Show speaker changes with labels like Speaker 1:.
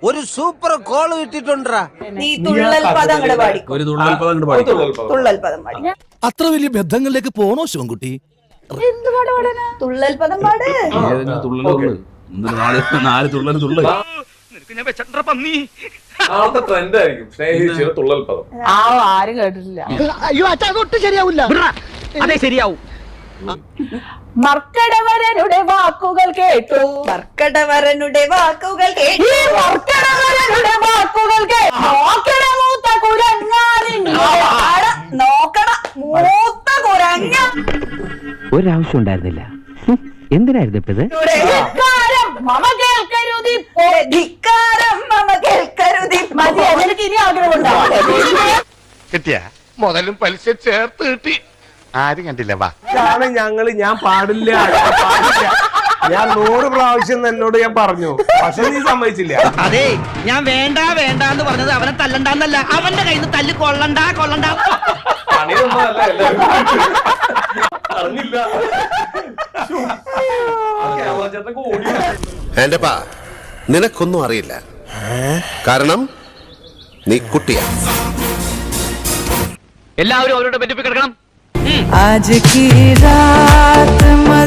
Speaker 1: ഒരു super call കിട്ടിട്ടുണ്ടാ.
Speaker 2: നീ തുള്ളൽ പദം അങ്ങോട്ട് പാടിക്കോ.
Speaker 3: ഒരു തുള്ളൽ പദം അങ്ങോട്ട് പാടിക്കോ.
Speaker 2: തുള്ളൽ പദം പാടി.
Speaker 4: അത്ര വലിയ ബന്ധങ്ങളിലേക്ക് പോണോ ശിവൻകുട്ടി?
Speaker 2: എന്ത് പാട് പാടാനാ? തുള്ളൽ പദം പാട്.
Speaker 3: ഏതെങ്കിലും തുള്ളലുള്ളൂ. നാല് തുള്ളൽ തുള്ളൽ.
Speaker 5: നാളത്തെ ട്രെൻഡ് ആയിരിക്കും സ്നേഹിച്ചിട്ട് തുള്ളൽ പദം.
Speaker 2: ആരും കേട്ടിട്ടില്ല.
Speaker 6: അയ്യോ അച്ഛാ അതൊട്ടും ശരിയാവില്ല.
Speaker 1: അതെ ശരിയാവും.
Speaker 2: മർക്കടവരനുടെ വാക്കുകൾ കേട്ടു. മർക്കടവരനുടെ വാക്കുകൾ കേട്ടു. മർക്കടവരനുടെ വാക്കുകൾ കേട്ടു. നോക്കണ മൂത്ത കുരങ്ങാനിന്റെ അട. നോക്കണ മൂത്ത കുരങ്ങ.
Speaker 7: ഒരാവശ്യം ഉണ്ടായിരുന്നില്ല. എന്തിനായിരുന്നു ഇപ്പത്?
Speaker 2: ധിക്കാരം മമ കേൾക്കരുതിപ്പോ. ധിക്കാരം മമ കേൾക്കരുതിപ്പോ. മതി, എനിക്ക് ഇനി ആഗ്രഹമുണ്ടാവും.
Speaker 8: കിട്ടിയ മുതലും പലിശ ചേർത്ത് കിട്ടി. ആരും കണ്ടില്ല. വാ
Speaker 5: ഞാൻ പാടില്ല. ഞാൻ 100 പ്രാവശ്യം എന്നോട് ഞാൻ പറഞ്ഞു, പക്ഷെ നീ സമ്മതിച്ചില്ല.
Speaker 1: അതെ, ഞാൻ വേണ്ട വേണ്ട എന്ന് പറഞ്ഞത് അവനെ തല്ലണ്ടെന്നല്ല, അവന്റെ കയ്യിൽ നിന്ന് തല്ല് കൊള്ളണ്ട കൊള്ളണ്ട.
Speaker 5: പണിയൊന്നുമല്ല, എല്ലാവരും അറിഞ്ഞില്ല.
Speaker 9: എന്റെ പാ, നിനക്കൊന്നും അറിയില്ല. കാരണം നീ കുട്ടിയാ.
Speaker 1: എല്ലാവരും അവരോട് ബന്ധിപ്പിക്കണം.
Speaker 6: आज की रात